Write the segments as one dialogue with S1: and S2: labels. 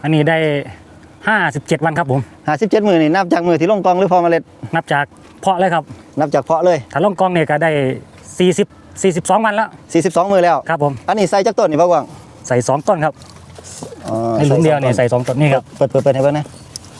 S1: อันนี้ได้57 วันครับผม
S2: 57 มื้อนี่นับจากมื้อที่ลงกองหรือพอเมล็ด
S1: นับจากเพาะเลยครับ
S2: นับจากเพาะเลย
S1: ถ้าลงกองเนี่ยก็ได้42 วันแล้ว
S2: 42 มื้อแล้ว
S1: ครับผม
S2: อันนี้ใส่จักต้นนี่บ่กวาง
S1: ใส่2 ต้นครับในหลุมเดียวเนี่ยใส่2 ต้นนี่ครับ
S2: เปิดให้เบิ่งนะ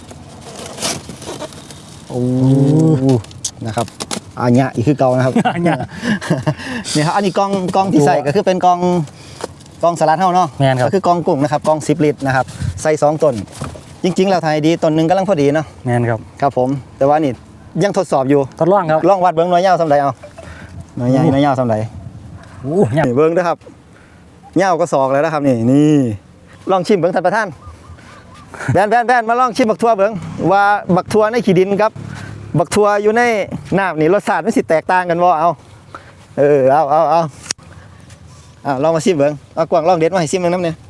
S2: โอ้นะครับอันเนี้ยอีกคือเก่านะครับ
S1: เนี่ย
S2: นี่ครับอันนี้กองที่ใส่ก็คือเป็นกองสลัดเฮาเนาะก็คือกองกุ้งนะครับกอง10 ลิตรนะครับใส่2 ต้นจริงๆแล้วไทยดีต้นนึงกำลังพอดีเนาะ
S1: แม่นครับ
S2: ครับผมแต่ว่านี่ยังทดสอบอยู่
S1: ทดลองครับ
S2: ลองวัดเบิ่งหน่วยยาวซำใดเอาหน่วยใหญ่หน่วยยาวซำใด
S1: โอ้ย
S2: เบิ่งเด้อครับยาวก็ศอกแล้วนะครับนี่ลองชิมเบิ่งท่านประธานแบนมาลองชิมบักทั่วเบิ่งว่าบักทั่วในขี้ดินครับบักทั่วอยู่ในน้ำนี่รสชาติมันสิแตกต่างกันบ่เอาลองมาชิมเบิ่งเอากวางลองเด็ดมาให้ชิมเบิ่งน้ำเนี่ย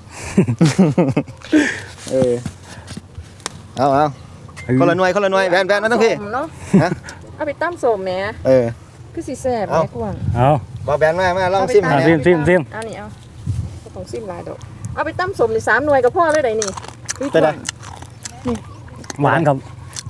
S2: เอาคนละหน่วยแบนมาตั้งพี่ฮะ
S3: เอาไปตั้มสมแหมคือสิแซ่บแม่กวาง
S1: เอา
S2: บ่แบนมาลองชิม
S1: ซิม
S3: อันนี้เอาของซิมหลายดอกเอาไปตั้มสมนี่3 หน่วยก็พอเลยได้นี่
S2: เป็นไง
S1: หวานครับ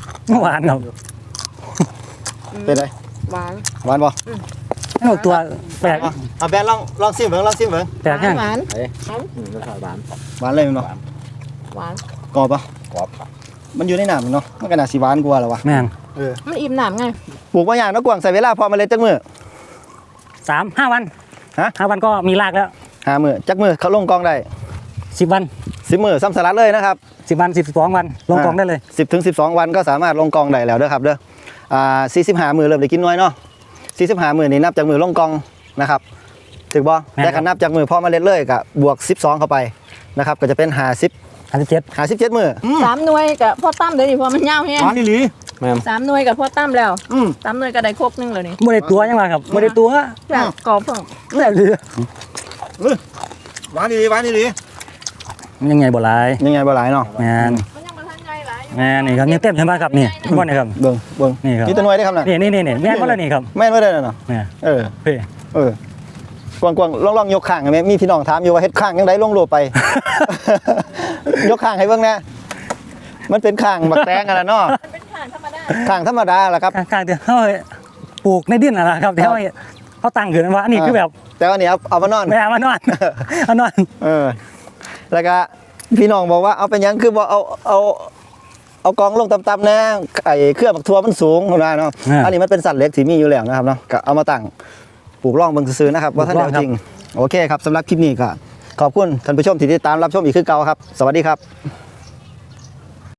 S2: เป็นไง
S3: หวาน
S2: บ่
S1: เอาตัวแปลก
S2: เอาแบนลองชิมเบิ่ง
S1: แปลกแห้ง
S3: หวาน
S2: รสชาติหวานเลยมั้ย
S3: หวาน
S2: กรอบปะกรอบมันอยู่ในน้ำเนาะมันก็น่าสิหวานกว่าแล้ววะ
S1: แม่น
S3: มันอิ่มน้ำไง
S2: ปลูกมาอย่างนักกวางใส่เวลาพอเมล็ดจักมื้อ
S1: 5 วัน5 วันก็มีรากแล้ว
S2: 5 มื้อจักมื้อเขาลงกองได้
S1: 10 วัน
S2: 10 มื้อซ้ำสลัดเลยนะครับ
S1: 10 วัน12 วันลงกองได้เลย
S2: 10 ถึง 12 วันก็สามารถลงกองได้แล้วเด้อครับเด้อ45 มื้อเริ่มได้กินน้อยเนาะ45 มื้อนี่นับจากมื้อลงกองนะครับถูกบ่แต่คันนับจากมื้อพอเมล็ดเลยก็บวก12เข้าไปนะครับก็จะเป็น57 มื้อ
S3: 3 หน่วยกับพ่อตั้มเดี๋ยวนี้พอมันยาวแฮง
S2: อ๋อนี่หลี
S3: 3 หน่วยกับพ่อตั้มแล้ว3 หน่วยก็ได้ครบนึงแล้วนี่
S1: บ่ได้ตัวยังว่าครับบ่ได้ตัว
S3: แบบกรอบเพิ่ง
S1: แซ่บเลย
S2: หวานดี
S1: มันยังไงบ่หลาย
S2: เนาะ
S1: แม่น
S3: มันยังบ่ทันใหญ่หลาย
S1: แม่นี่ครับยังเต็มใช่มั้ยครับนี่บ่นี่ครับ
S2: เบิ่ง
S1: นี่ครับ
S2: นี่ตัวหน่วยได้ครับน่ะ
S1: นี่แม่นบ่ล่ะนี่ครับ
S2: แม่นบ่ได้เนาะกวางลองยกข้างให้แม่มีพี่น้องถามอยู่ว่าเฮ็ดข้างจังได๋ลงรูปไปยกข้างให้เบิ่งนะมันเป็นข้างบักแตงกันล่ะเนาะ
S3: มันเป็นข้างธรรมดา
S2: ล่ะครับ
S1: ข้างที่เฮาปลูกในดินน่ะล่ะครับที่เฮาตั้งขึ้นว่าอันนี้คือแบบ
S2: แต่ว่านี่เอามานอน
S1: ไม่เอามานอน
S2: แล้วก็พี่น้องบอกว่าเอาเป็นยังคือบอกเอากองลงต่ำๆนะไอ้เครือบักทั่วมันสูงนะเนาะอันนี้มันเป็นสัตว์เล็กที่มีอยู่แล้วนะครับเนาะก็เอามาตั้งปลูกร่องเบิ่งซื่อๆนะครับว่าท่านเดียวจริงโอเคครับสำหรับคลิปนี้ก็ขอบคุณท่านผู้ชมที่ติดตามรับชมอีกคือเก่าครับสวัสดีครับ